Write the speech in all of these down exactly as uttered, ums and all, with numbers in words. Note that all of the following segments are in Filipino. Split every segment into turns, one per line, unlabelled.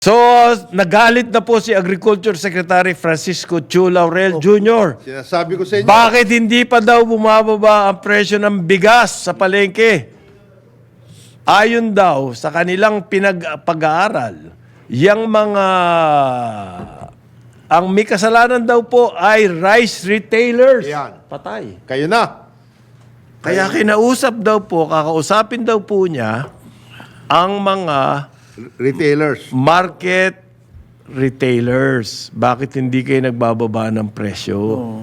So, nagalit na po si Agriculture Secretary Francisco Chu Laurel Junior
Sinasabi ko sa inyo.
Bakit hindi pa daw bumababa ang presyo ng bigas sa palengke? Ayon daw sa kanilang pinag-pag-aaral, yang mga ang may kasalanan daw po ay rice retailers.
Yan.
Patay.
Kayo na.
Kaya kinausap daw po, kakausapin daw po niya ang mga
Retailers.
market retailers. Bakit hindi kayo nagbababa ng presyo?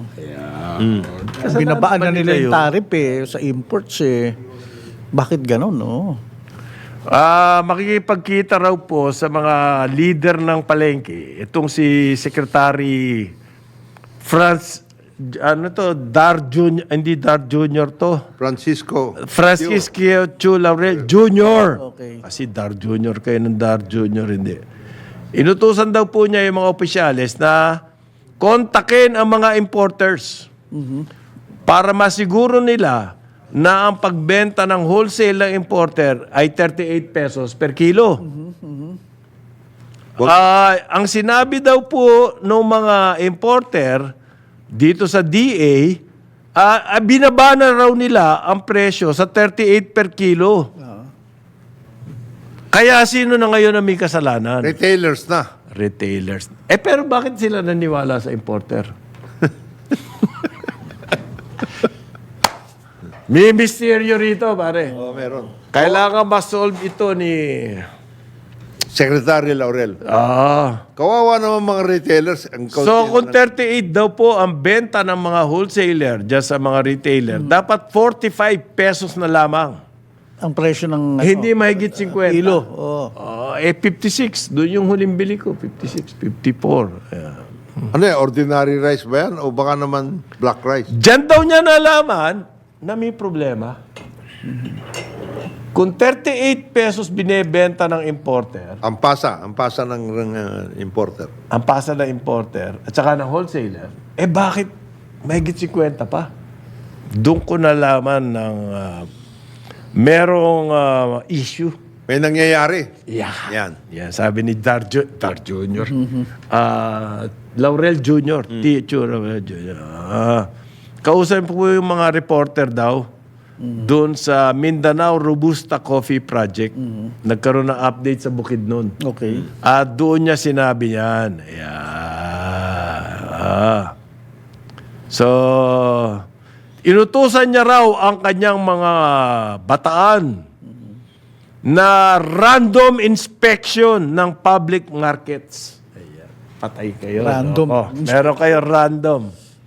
Binabaan na nila yung
yun.
tariff eh, sa imports eh. Bakit ganon, no?
Ah, makikipagkita raw po sa mga leader ng palengke. Itong si Secretary Franz, ano to, Dar Junior, hindi Dar Junior to.
Francisco.
Francisco Chu Laurel Junior
Okay.
Kasi Dar Junior kayo ng Dar Junior, hindi. Inutusan daw po niya yung mga opisyalis na kontakin ang mga importers para masiguro nila na ang pagbenta ng wholesale ng importer ay thirty-eight pesos per kilo. Ah, ang sinabi daw po ng mga importer dito sa D A, ah, ah, binaba na raw nila ang presyo sa thirty-eight per kilo. Kaya sino na ngayon ang may kasalanan?
Retailers na.
Retailers. Eh pero bakit sila naniwala sa importer? May misteryo rito, pare.
Oh, meron.
Kailangan ma-solve ito ni...
Secretary Laurel.
Ah.
Kawawa naman mga retailers. Ang
So
kaunti
kung
na-
thirty-eight daw po ang benta ng mga wholesaler dyan sa mga retailer, dapat forty-five pesos na lamang.
Ang presyo ng ano,
Hindi mahigit fifty.
kilo. Oh.
Ah, eh fifty-six. Doon yung huling bili ko. fifty-six, fifty-four. Yeah.
Ano eh, ordinary rice ba yan? O baka naman black rice?
Diyan daw niya nalaman na may problema. Kung thirty-eight pesos binebenta ng importer,
Ang pasa. Ang pasa ng uh, importer.
ang pasa ng importer at saka ng wholesaler, eh bakit mahigit fifty pa? Doon ko nalaman ng ah, merong ah, issue.
May nangyayari.
Yeah.
Yan.
Yan, sabi ni Dar, Ju- Dar Junior Ah, Laurel Junior T. Chu Laurel Junior Ah, kausap po yung mga reporter daw doon sa Mindanao Robusta Coffee Project. Nagkaroon ng update sa Bukidnon.
Okay.
At doon niya sinabi yan. Ayan. Ah. So, inutusan niya raw ang kanyang mga bataan na random inspection ng public markets. Ayan. Patay kayo.
Random.
No? Oh, meron kayo random.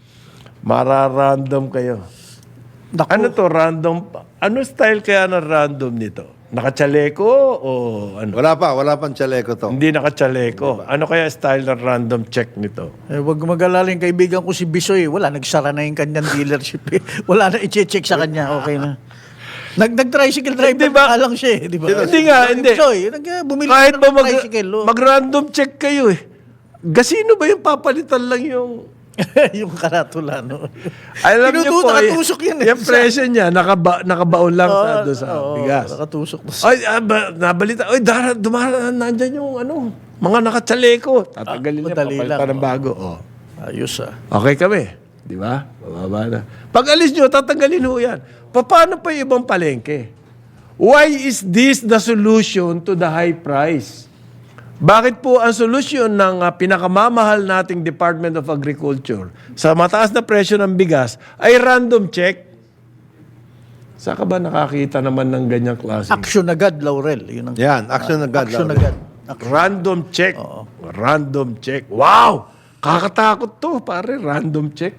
Mara-random kayo.
Naku.
Ano to, random? Ano style kaya ng random nito? Nakachaleko o ano?
Wala pa. Wala pang chaleco to.
Hindi nakachaleko. Ano kaya style ng random check nito?
Eh, wag mag-alala yung kaibigan ko si Bisoy. Wala, nagsara na yung kanyang dealership. Eh. Wala na i-check sa kanya. Okay na. Nag nag-tricycle driver
Hindi ba-
pa lang siya, eh, di ba?
Hindi nga, hindi.
Bisoy, nag bumili
Kahit
ng
ba mag,
tricycle. oh.
mag-random check kayo eh. Gasino ba yung papalitan lang yung...
yung karatula, no?
Alam niyo
Tinututo,
po, eh,
nakatusok yan eh.
yung presyo niya, nakaba, nakabaon lang sa,
Oo,
doon sa
oo,
bigas.
Nakatusok.
Ay, ah, ba, nabalita. Ay, dara, dumaraan, nandyan yung ano, mga nakachaleko. Tatagalin niya,
madali
papalitan
lang,
ng bago. Oh.
Ayos ah.
Okay kami. Di ba? Bababa na. Pag alis nyo, tatanggalin ho yan. Pa- Paano pa yung ibang palengke? Why is this the solution to the high price? Bakit po ang solusyon ng uh, pinakamamahal nating Department of Agriculture sa mataas na presyo ng bigas ay random check? Saan ka ba nakakita naman ng ganyang klase?
Action agad, Laurel. Yun ang,
Yan. Action agad.
action
Laurel.
agad.
Random check. Random check. Wow! Kakatakot to, pare. Random check.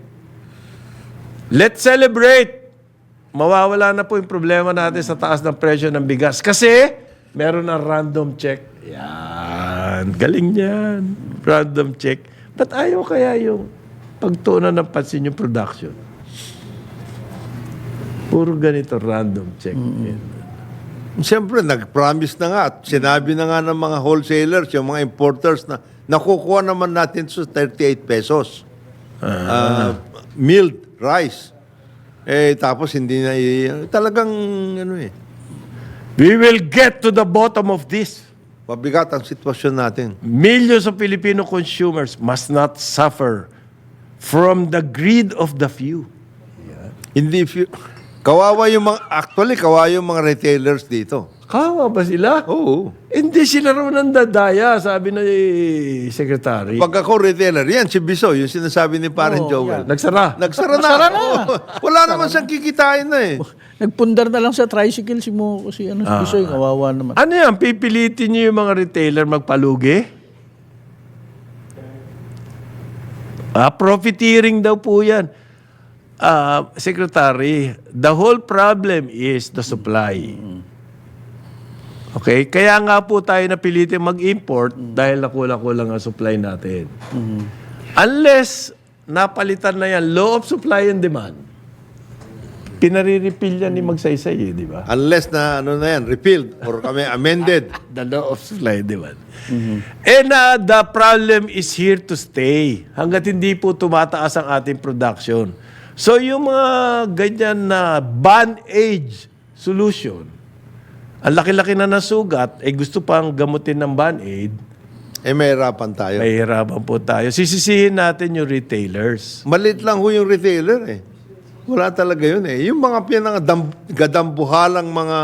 Let's celebrate. Mawawala na po yung problema natin sa taas ng presyo ng bigas. Kasi, meron ng random check. Yan. Galing yan. Random check. Ba't ayaw kaya yung pagtuunan ng pansin yung production? Puro ganito, random check.
Siyempre, nag-promise na nga at sinabi na nga ng mga wholesalers, yung mga importers na nakukuha naman natin sa thirty-eight pesos. Ah, milled rice. Eh, tapos hindi na, i- talagang, ano eh.
We will get to the bottom of this.
Mabigat ang sitwasyon natin.
Millions of Filipino consumers must not suffer from the greed of the few.
Hindi, fi- kawawa yung mga, actually, kawawa yung mga retailers dito.
Kawa ba sila?
Oo.
Hindi sila raw nandadaya, sabi ng eh, secretary.
Pag ako retailer, yan, si Biso, yung sinasabi ni Parang
Oo,
Joel.
Nagsara.
Nagsara na.
Nagsara na.
Oo. Wala naman siyang kikitain na eh.
Nagpundar na lang sa tricycle si mo si ano si Bisoy, kawawa naman.
Ano yan? Pipilitin niyo yung mga retailer magpalugi? Ah, profiteering daw po yan. Ah, Secretary, the whole problem is the supply. Okay? Kaya nga po tayo napilitin mag-import dahil nakulang-kulang ang supply natin. Unless napalitan na yan, law of supply and demand, pinariripil yan ni Magsaysay, eh, di ba?
Unless na, ano na yan, repealed or kami amended.
The law of supply and demand. And uh, the problem is here to stay hanggat hindi po tumataas ang ating production. So yung mga ganyan na band-aid solution, ang laki-laki na nasugat, eh gusto pang gamutin ng band-aid,
Eh, may hirapan tayo.
may hirapan po tayo. Sisisihin natin yung retailers.
Malit lang ho yung retailer eh. Wala talaga yun eh. Yung mga pinangadambuhalang mga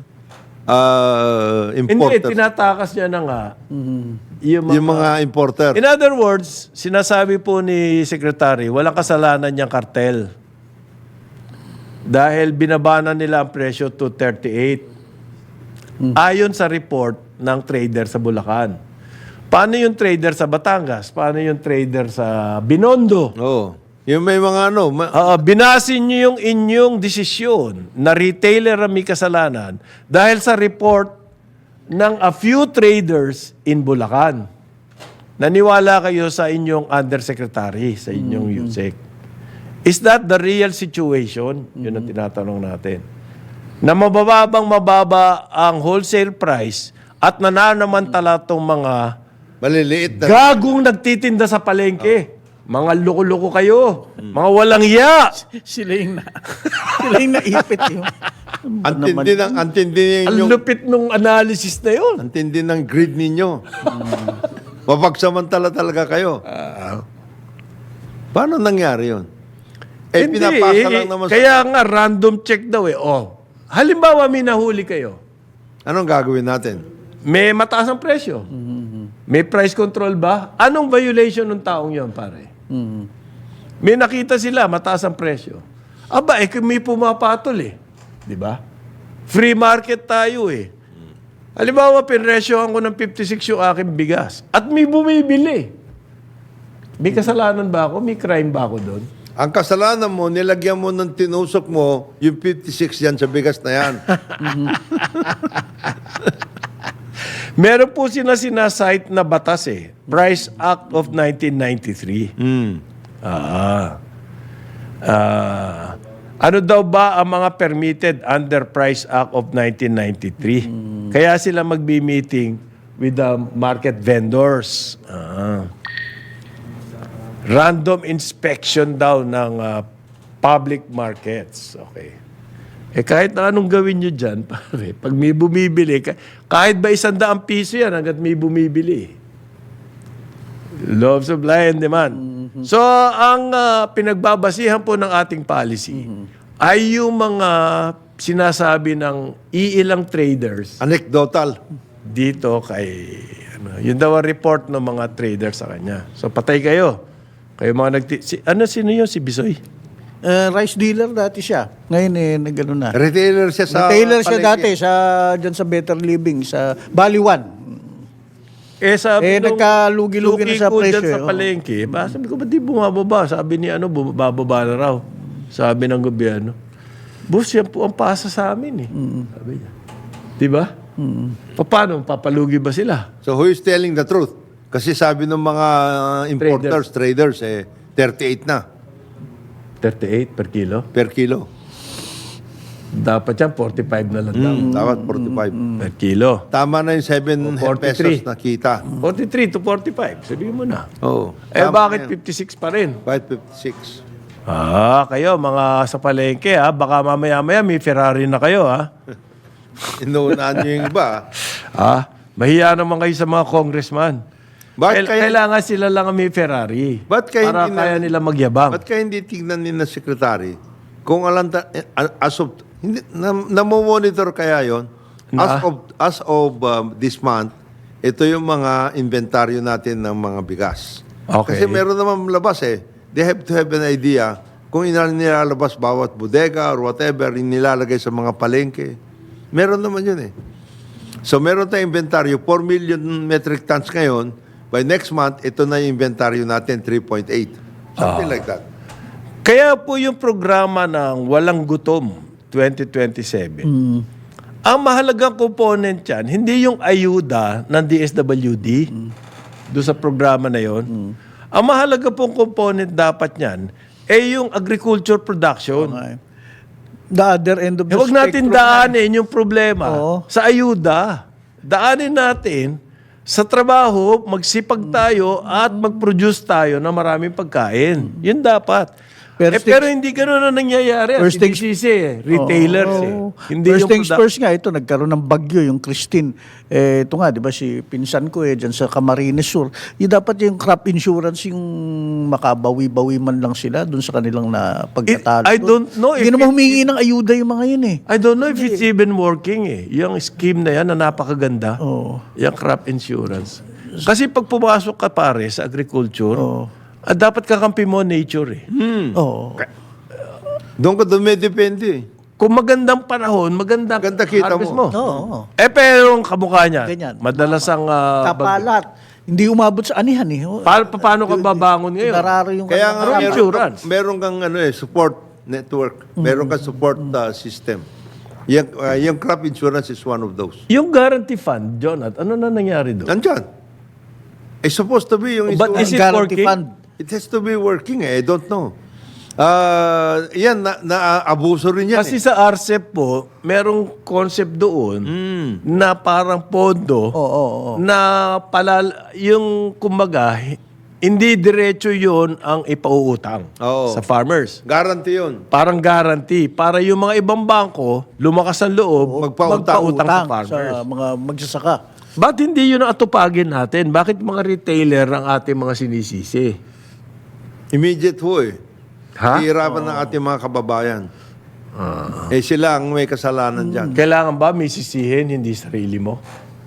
ah,
Hindi,
importers.
tinatakas niya na nga. Yung mga,
Yung mga importer.
In other words, sinasabi po ni Secretary, walang kasalanan niyang kartel. Dahil binabana nila ang presyo to thirty-eight. Ayon sa report ng trader sa Bulacan. Paano yung trader sa Batangas? Paano yung trader sa Binondo?
Oo. Yung may mga ano, ma-
Ah, binasin niyo yung inyong desisyon na retailer ang may kasalanan dahil sa report ng a few traders in Bulacan. Naniwala kayo sa inyong undersecretary, sa inyong USEC. Is that the real situation? Yun ang tinatanong natin. Na mabababang mababa ang wholesale price at nananamantala itong mga
maliliit na.
gagong nagtitinda sa palengke. Mga loko-loko kayo. Mga walang iya.
Sila yung na, sila yung naipit yun.
Antindi ng, antindi
Ang
yung,
lupit nung analysis na yun.
antindi ng greed ninyo. Mapagsamantala talaga kayo. Paano nangyari yun? Eh,
Hindi,
pinapasa
eh,
lang naman sa...
Kaya nga, random check daw eh. Oh, halimbawa, may nahuli kayo.
Anong gagawin natin?
May mataas ang presyo. May price control ba? Anong violation ng taong yon, pare? May nakita sila, mataas ang presyo. Aba, eh, may pumapatol eh. Di ba? Free market tayo eh. Halimbawa, pinresyohan ko ng fifty-six yung aking bigas. At may bumibili. May kasalanan ba ako? May crime ba ako doon?
Ang kasalanan mo, nilagyan mo ng tinusok mo, yung fifty-six yan sa bigas na yan.
Meron po sila sinasite na batas eh. Price Act of nineteen ninety-three.
Mm.
Ah. Ah. Ano daw ba ang mga permitted under Price Act of nineteen ninety-three? Kaya sila magbi-meeting with the market vendors. Ah. Random inspection daw ng ah, public markets. Okay. Eh kahit na anong gawin nyo dyan, pare, pag may bumibili, ka- kahit ba isang daang piso yan hanggat may bumibili. Law of supply and demand. So, ang ah, pinagbabasihan po ng ating policy ay yung mga sinasabi ng iilang traders
Anecdotal.
dito kay, ano, yun daw ang report ng mga traders sa kanya. So, patay kayo. Kayo mga nagti... Si, ano, sino yun? Si Bisoy?
Uh, rice dealer dati siya. Ngayon eh, nagano na.
Retailer siya sa...
Retailer siya
palengke.
dati sa dyan sa Better Living sa Baliwan.
Eh, sabi
Eh,
nung
nagkalugi-lugi na
suki
sa
ko dyan
presyo,
sa
eh, oh.
palengke. Ba, sabi ko, ba't di bumababa? Sabi ni ano, bumababa na raw. Sabi ng gobyerno. Boss, yan po ang pasa sa amin eh. Sabi niya. Di ba? Paano? Papalugi ba sila?
So who is telling the truth? Kasi sabi ng mga uh, importers, traders, eh, thirty-eight na
thirty-eight per kilo.
per kilo.
Dapat yan, forty-five na lang daw.
Mm, dapat forty-five.
Per kilo.
Tama na yung seven
O, forty-three.
pesos na kita.
forty-three to forty-five. Sabihin mo na.
Oo.
Eh,
Tama
bakit
na yan.
fifty-six pa rin?
five fifty-six.
Ah, kayo, mga sa palengke, ha? Baka mamaya-maya may Ferrari na kayo, ha?
Inuunaan nyo yung iba.
Ah, Mahiya naman kayo sa mga congressman.
Bakit
Kail-
kaya-
Kailangan sila lang ang may Ferrari.
Ba't kaya
para
hindi na-
kaya nila magyabang.
Ba't kaya hindi tignan ni na secretary kung alanta, eh, as of, hindi, na, namomonitor kaya yon
Na?
as of, as of um, this month, ito yung mga inventaryo natin ng mga bigas.
Okay.
Kasi meron naman labas eh. They have to have an idea kung ilan nilalabas bawat bodega or whatever yung nilalagay sa mga palengke. Meron naman yun eh. So meron tayong inventaryo, four million metric tons ngayon. By next month, ito na yung inventaryo natin, three point eight. Something like that.
Kaya po yung programa ng Walang Gutom twenty twenty-seven, ang mahalagang component yan, hindi yung ayuda ng D S W D doon sa programa na yon. Ang mahalaga pong component dapat niyan ay yung agriculture production.
Okay. The other end of the
Eh, huwag natin
spectrum.
daanin yung problema
Oo.
sa ayuda. Daanin natin sa trabaho, magsipag tayo at mag-produce tayo ng maraming pagkain. Yun dapat.
First
eh,
things-
pero hindi gano'n na nangyayari.
First
Hindi
things-
sisi eh. Retailers
Oo.
eh. Hindi
First
yung
things
produ-
first nga, ito, nagkaroon ng bagyo, yung Christine. Eh, ito nga, di ba, si pinsan ko eh, dyan sa Camarines Sur. Yung dapat yung crop insurance, yung makabawi-bawi man lang sila dun sa kanilang na pagkatalo.
I don't know if
Hindi naman
it-
humingi ng ayuda yung mga yun eh.
I don't know if it's even working eh. Yung scheme na yan na napakaganda.
Oo.
Yung crop insurance. Kasi pag pumasok ka pare sa agriculture,
Oo.
ah, dapat kakampi mo nature eh.
Oo.
Doon ka dumidepende eh.
Kung magandang panahon, maganda
Ganda kita
harvest
mo.
Oo.
Eh pero ang kamukha niya,
Ganyan.
madalas ang ah, bag-
Kapalat. Hindi umabot sa anihan eh.
Pa- pa- paano ka babangon ngayon?
Nararo yung
Kaya nga,
Crop
meron,
insurance.
meron kang ano eh, support network. Meron kang support uh, system. Yung, uh, yung crop insurance is one of those.
Yung guarantee fund, Jonathan, ano na nangyari doon?
Nandyan. It's supposed to be yung
But
insurance.
is it
Guarantee
working?
fund.
It has to be working eh. I don't know. Ah, yan, na, na-abuso rin yan
Kasi
eh.
sa R C E P po, merong concept doon na parang pondo
Oo, oo, oo.
na palal yung kumbaga hindi diretso yon ang ipauutang
Oo.
sa farmers.
Guarantee yun.
Parang guarantee para yung mga ibang bangko lumakas ang loob
Magpautang.
magpautang sa
Utang
farmers.
sa mga magsasaka.
Ba't hindi yun ang atupagin natin? Bakit mga retailer ang ating mga sinisisi?
Immediate ho eh.
Ha?
Hihirapan ng ating mga kababayan. Eh sila ang may kasalanan dyan.
Kailangan ba may sisihin, hindi sarili mo?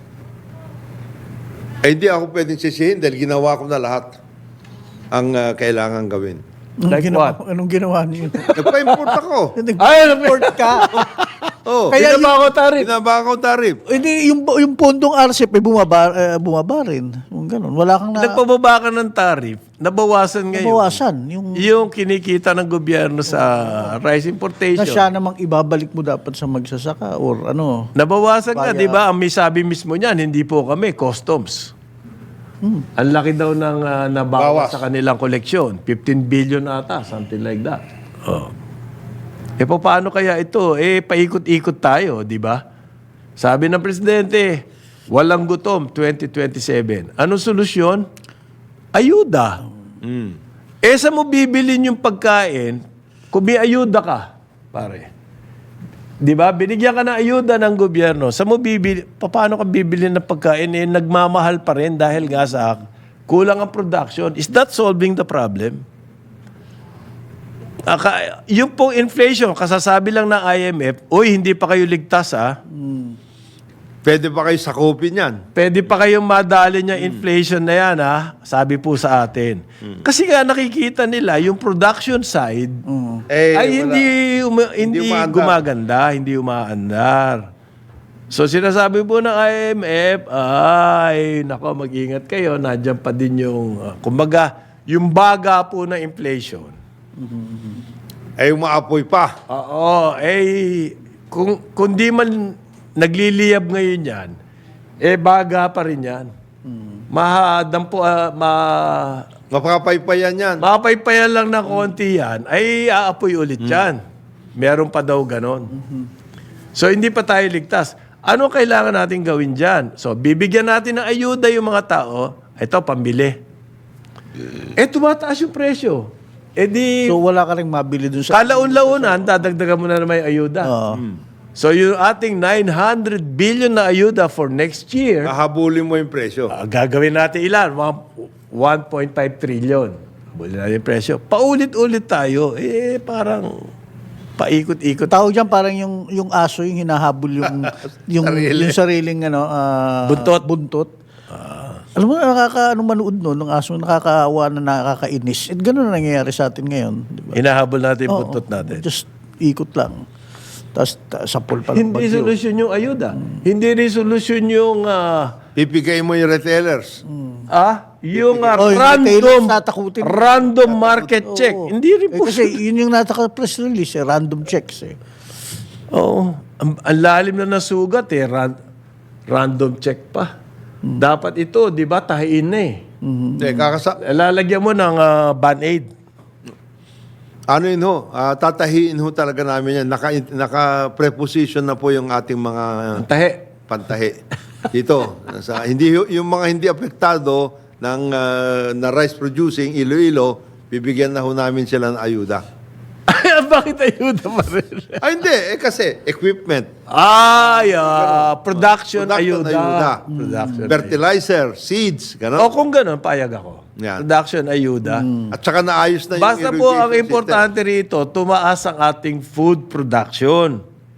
Eh hindi ako pwedeng sisihin dahil ginawa ko na lahat ang ah, kailangan gawin.
Anong
Like
ginawa,
what?
Anong ginawa niyo?
Nagpa-import ako.
Ay,
Nag-report ka.
Oh,
Kaya
Kaya ako tarif.
Binaba ko tarif.
Hindi, yung, yung pondong R C E P ay bumaba, eh, bumaba rin. Yung ganun. Wala kang na,
Nagpababa ka ng tarif, nabawasan ngayon.
nabawasan. Yung,
Yung kinikita ng gobyerno sa rice
na
importation.
siya namang ibabalik mo dapat sa magsasaka or ano.
Nabawasan nga,
Kaya-
di ba? Ang may sabi mismo niyan, hindi po kami, customs. Ang laki daw ng uh, nabawas
Bawas.
sa kanilang koleksyon. fifteen billion ata, something like that. Oh. Eh, paano kaya ito? Eh, paikot-ikot tayo, di ba? Sabi ng Presidente, walang gutom twenty twenty-seven. Anong solusyon? Ayuda. Eh, sa mo bibilin yung pagkain, kung may ayuda ka, pare. Di ba? Binigyan ka ng ayuda ng gobyerno. Sa mo bibili, paano ka bibili ng pagkain? Eh, nagmamahal pa rin dahil nga sa kulang ang production. Is that solving the problem? Aka, yung pong inflation, kasasabi lang ng I M F, uy, hindi pa kayo ligtas ah.
Pwede ba kayo sakupin yan?
Pwede pa kayong madali niya inflation na yan ha, sabi po sa atin. Kasi nga nakikita nila yung production side
Eh,
ay
wala.
hindi uma-
Hindi
hindi
umaandar.
gumaganda, hindi umaandar. So sinasabi po ng I M F, ay nako mag-ingat kayo, nandiyan pa din yung uh, kumbaga yung baga po na inflation.
Eh, umaapoy pa.
Oo, eh kung kung di man nagliliyab ngayon yan, eh baga pa rin yan. Mahadam po, ah, ma,
Mapapaypayan yan.
mapaypayan lang ng konti yan, ay aapoy ulit yan. Meron pa daw ganon. So, hindi pa tayo ligtas. Ano kailangan natin gawin dyan? So, bibigyan natin ng ayuda yung mga tao. Ito, pambili. Eh, tumataas yung presyo. Eh di,
So wala ka rin mabili dun sa...
kalaon-launan, dadagdagan mo na naman yung ayuda.
Oo.
So yung ating nine hundred billion na ayuda for next year,
Hahabulin mo yung presyo.
ah, gagawin natin ilan? Mga one point five trillion. Habulin natin yung presyo. Paulit-ulit tayo. Eh, parang paikot-ikot.
Tawag dyan parang yung, yung aso yung hinahabol yung, yung,
Sarili.
yung sariling ano, ah,
Buntot.
buntot. Alam mo, nakaka, ano manood no, ng aso, nakakaawa na nakakainis. At gano'n na nangyayari sa atin ngayon. Di ba?
Hinahabol natin yung
Oo,
buntot natin.
Just ikot lang. Tapos ta- sapul pa lang
Hindi
bagyo.
solusyon yung ayuda. Hindi rin solusyon yung ah,
Pipigay mo yung retailers.
ah, yung ah,
Oh, yung
random
retailers tatakutin.
random market check.
Oo.
Hindi rin
Eh,
po.
kasi yun yung nataka-press release, eh, random checks eh.
Oo. Ang, ang lalim na nasugat eh. Ran- random check pa. Dapat ito, di ba, tahiin na eh.
Hindi, kakasa...
Lalagyan mo ng ah, Band-Aid.
Ano yun ho? Ah, tatahiin ho talaga namin yan. Naka, naka-preposition na po yung ating mga
Tahi.
pantahi. Dito. Sa, hindi, ho- yung mga hindi apektado ng ah, na rice producing, Iloilo, bibigyan na ho namin sila ng ayuda.
Bakit ayuda pa rin?
Ay, hindi. Eh, kasi equipment,
Ay, ah, production,
production
ayuda.
ayuda,
Production
fertilizer, seeds,
O
gano'n.
kung gano'n, payag ako.
Yan.
Production, ayuda.
At saka naayos na yung
Basta po ang
irrigation
importante rito, tumaas ang ating food production.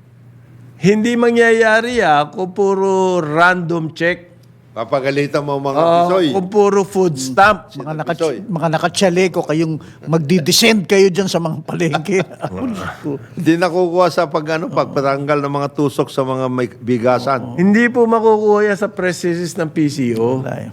Hindi mangyayari ah, kung puro random check.
system. Papagalitan mo mga
Ah,
pisoy.
kung puro food stamp.
Mga, naka,
Pisoy.
mga nakatsyaleko kayong magdi-descend kayo dyan sa mga palengke.
Hindi nakukuha sa pag, ano, pagpatanggal ng mga tusok sa mga may bigasan.
Hindi po makukuha yan sa press release ng P C O
Wala eh.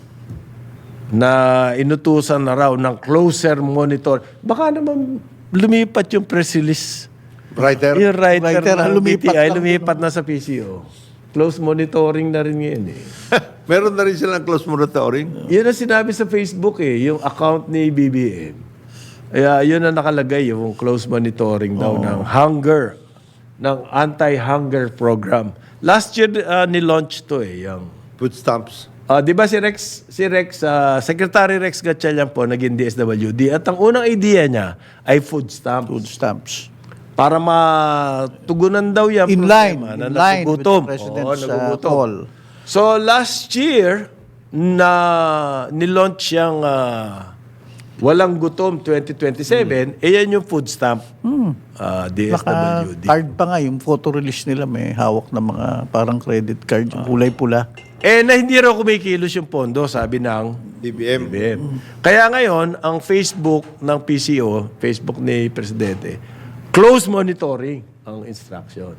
na inutusan na raw ng closer monitor. Baka naman lumipat yung press release.
Writer?
Yung writer,
Writer,
ng
lumipat
B T I,
lang.
lumipat na sa P C O. Close monitoring na rin ngayon eh.
Meron na rin silang close monitoring.
Yun ang sinabi sa Facebook eh, yung account ni B B M. Kaya yun ang nakalagay, yung close monitoring daw ng hunger, ng anti-hunger program. Last year, uh, ni-launch to eh, yung...
Food stamps.
Ah, di ba si Rex, si Rex, ah, Secretary Rex Gatchalian po, naging D S W D. At ang unang idea niya ay food stamp.
Food stamps.
Para matugunan daw yan.
In line,
problema na
in line with
nagugutom.
the President's
Oo,
uh,
nagugutom.
call.
So last year, na nilaunch yung ah, Walang Gutom twenty twenty-seven, eh yan yung food stamp, ah, D S W D.
Naka-card pa nga, yung photo release nila may hawak na mga parang credit card, yung kulay pula.
Eh na hindi raw kumikilos yung pondo, sabi ng
D B M.
B B M. Kaya ngayon, ang Facebook ng P C O, Facebook ni Presidente, close monitoring ang instruction.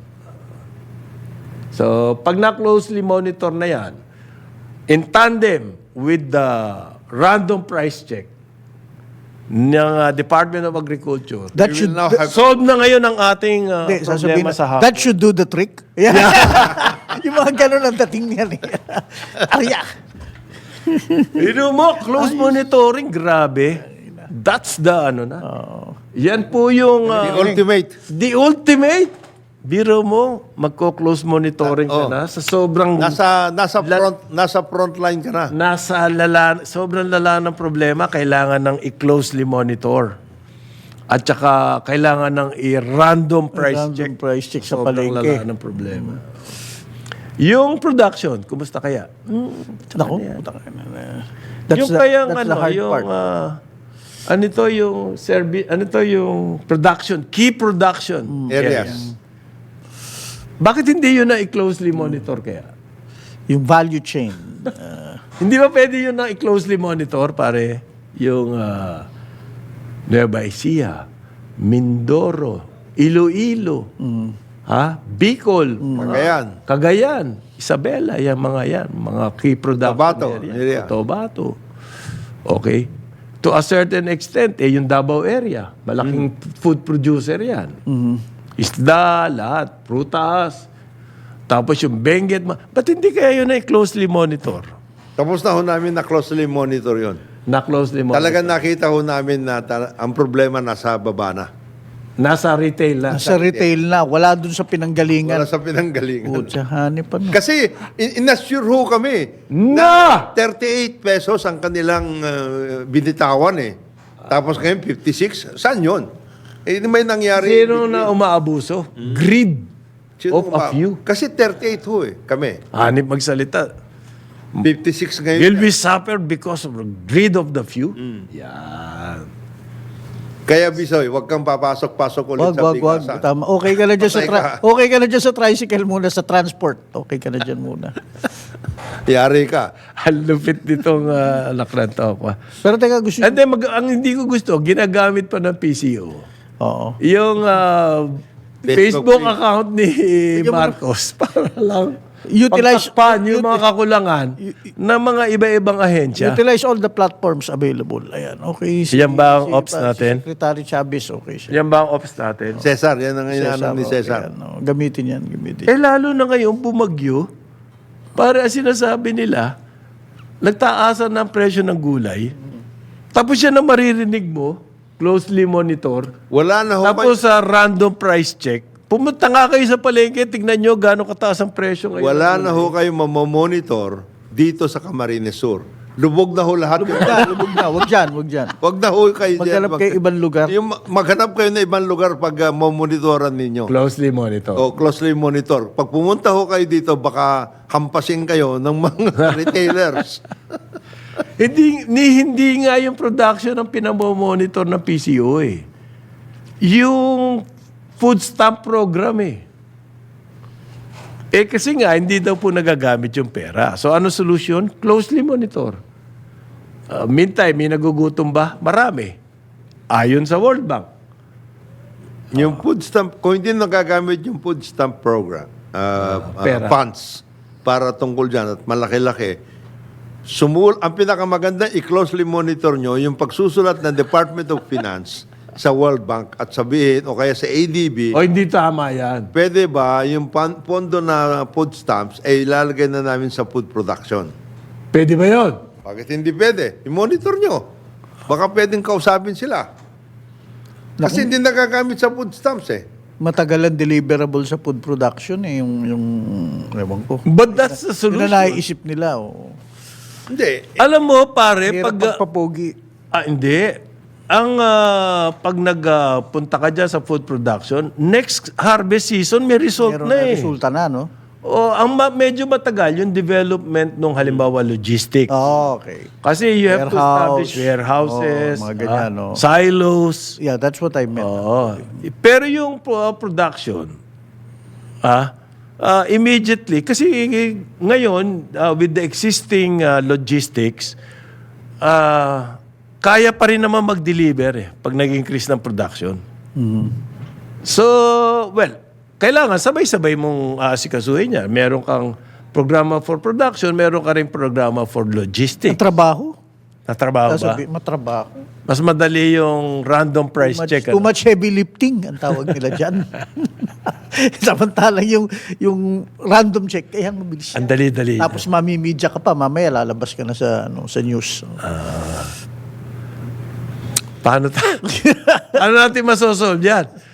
So, pag na-closely monitor na yan, in tandem with the random price check ng uh, Department of Agriculture,
That
We
should,
will now have
solve na ngayon ang ating uh,
Hindi, sasabihin
problema
na,
sa hapon.
that should do the trick. Yeah. Yung mga ganun ang dating niyan eh. Arya.
Ino mo, close monitoring, grabe. That's the ano na. Yan po yung
The
uh,
ultimate.
the ultimate. Biro mo, magko-close monitoring ka
Oh.
na sa sobrang
Nasa nasa front nasa front line ka na.
nasa lala, sobrang lala ng problema, kailangan ng i-closely monitor. At saka kailangan ng i-random price
Random
check.
price check sa
Sobrang
palengke.
lala ng problema. Yung production, kumusta kaya?
Naku, puta ka na. That's
yung
the,
kayang
that's
ano,
the hard
yung
part.
ah, ano to yung service, ano to yung production, key production
Mm.
Areas.
Bakit hindi yun na i-closely monitor kaya?
Yung value chain. Uh,
Hindi ba pwede yun na i-closely monitor, pare? Yung uh, Nueva Ecija, Mindoro, Iloilo, ha? Bicol,
Cagayan.
Cagayan, Isabela, yan mga yan, mga key production
Cotabato,
area.
area.
Cotabato. Okay. To a certain extent, eh, yung Davao area, malaking food producer yan. Isda, lahat, prutas, tapos yung Benguet. ma- Ba't hindi kaya yun ay closely monitor?
Tapos na ho namin na closely monitor yon.
Na closely monitor.
Talagang nakita ho namin na tala- ang problema nasa baba na.
Nasa retail na.
sa retail na, wala dun sa pinanggalingan.
Wala sa pinanggalingan.
Putsa, hanip pa no.
Kasi in- inassure ho kami
Na!
thirty-eight pesos ang kanilang uh, binitawan eh. Tapos ngayon fifty-six. Saan yun? Eh, may nangyari.
Sino na umaabuso? Greed.
Sino
Of a
ba-
few.
Kasi thirty-eight ho eh, kami.
Hanip magsalita.
fifty-six ngayon.
Will we suffer because of the greed of the few?
Hmm.
Yan.
Kaya Bisoy, wag kang papasok-pasok ulit
Wag,
sa
wag, wag.
bigasan.
Tama. Okay ka na dyan sa
Patay
tri-
ka.
okay ka na dyan sa tricycle muna, sa transport. Okay ka na dyan muna.
Yari ka.
Ang lupit nitong uh, lakran to.
Pero teka, gusto
And then, mag- ang hindi ko gusto, ginagamit pa ng P C O.
Oo.
Yung uh,
Facebook
Facebook account ni Marcos para lang
Utilize-
pagtakpan yung mga kakulangan ng mga iba-ibang ahensya.
Utilize all the platforms available. Ayan, okay.
Yan ba ang ops
pa-
natin?
Si Secretary Chavez, okay siya.
Yan ba ang office natin?
Cesar, yan ang inaano ni
okay,
Cesar.
ano, gamitin yan, gamitin.
Eh lalo na ngayon bumagyo, para sinasabi nila, nagtaasan ng presyo ng gulay, tapos yan ang maririnig mo, closely monitor,
Wala na ho
tapos sa random price check, pumunta nga kayo sa palengke, tignan nyo gano'ng kataas ang presyo ngayon.
Wala na ho kayo mamamonitor dito sa Camarines Sur. Lubog na ho lahat.
Lubog na, lubog na. Wag dyan, wag dyan.
Wag na ho kayo dyan.
Maghanap kayo ibang lugar.
Yung, ma- maghanap kayo na ibang lugar pag uh, mamonitoran ninyo.
Closely monitor.
O closely monitor. Pag pumunta ho kayo dito, baka hampasin kayo ng mga retailers.
Hindi, ni, hindi nga yung production ang pinamomonitor ng P C O eh. Yung food stamp program eh. Eh kasi nga, hindi daw po nagagamit yung pera. So ano solution? Closely monitor. Uh, meantime, may nagugutom ba? Marami. Ayon sa World Bank.
Yung food stamp, kung hindi nagagamit yung food stamp program, uh, uh,
pera.
funds, para tungkol dyan at malaki-laki, sumul ang pinakamaganda, i-closely monitor nyo yung pagsusulat ng Department of Finance sa World Bank at sabihin, o kaya sa A D B,
O hindi tama yan.
pwede ba yung pan- pondo na food stamps ay ilalagay na namin sa food production?
Pwede ba yun?
Bakit hindi pwede? I-monitor nyo. Baka pwedeng kausapin sila. Kasi hindi nagagamit sa food stamps eh.
Matagalan deliverable sa food production eh, yung, yung, ewan ko.
But that's the
Yun na
solution.
naiisip nila, oh.
Hindi.
Alam mo, pare,
Hirap
pag...
pagpapogi.
Ah, hindi. Ang ah, pag nagpunta ka dyan sa food production, next harvest season may result
Meron
na
na
eh.
resulta na, no?
O ang ma- medyo matagal yung development ng halimbawa logistics.
Oh, okay.
Kasi you have to
Warehouse.
establish warehouses,
Oh, mga ganyan,
ah,
no?
silos.
Yeah, that's what I meant.
Oo. Pero yung pro- production, ah, ah, immediately, kasi ngayon, ah, with the existing ah, logistics, ah, kaya pa rin naman mag-deliver eh, pag nag-increase ng production. So, well, kailangan sabay-sabay mong aasikasuhin niya. Meron kang programa for production, meron ka rin programa for
Ang
logistics.
trabaho?
Natrabaho ba?
Sasabi, matrabaho.
Mas madali yung random price
Too much,
check.
too
ano?
much heavy lifting ang tawag nila dyan. Samantalang yung, yung random check, kaya mabilis
Ang
yan.
dali-dali.
Tapos mamimidya ka pa, mamaya lalabas ka na sa, ano, sa news.
Paano ta? Ano natin masosolve yan?